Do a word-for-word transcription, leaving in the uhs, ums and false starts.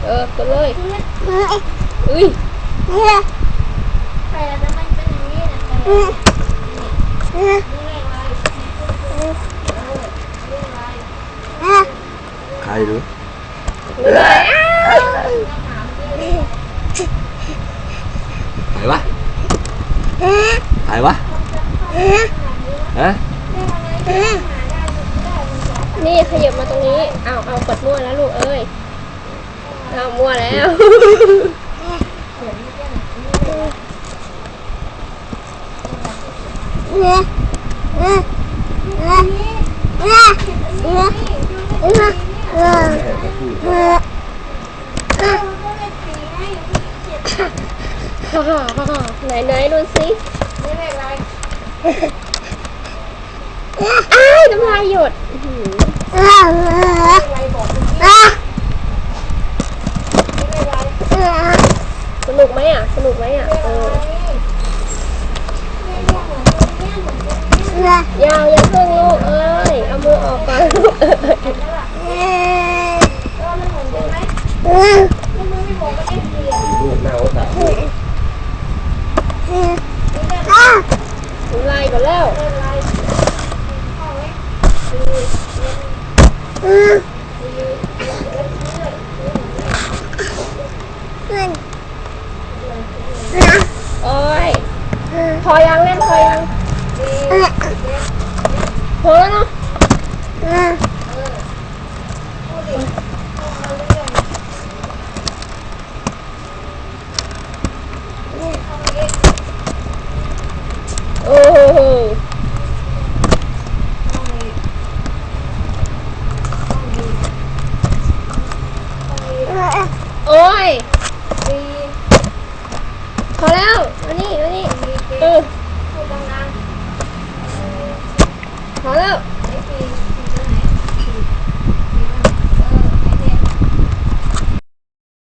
เออกดเลยอุ้ยแต่แล้วมันเป็นอย่างนี้นะใครรู้ไหนวะไหนวะฮะนี่ขยับมาตรงนี้เอาเอากดมั่วแล้วลูกเอ้ยเอามั่วแล้วไหนไหนดูสิอ้ายน้ำลายหยดสนุกไหมอ่ะสนุกไหมอ่ะเออยาวยังเพิ่งลูกเอ้ยเอามือออกก่อนลูกลูกหน้าโอ๊ตน้าำลายก่อนแล้วโอ้ยพอยังเล่นพอยังพอแล้วเนาะโอ้โหโอ้ยพอแล้วมานี่มานี่เออ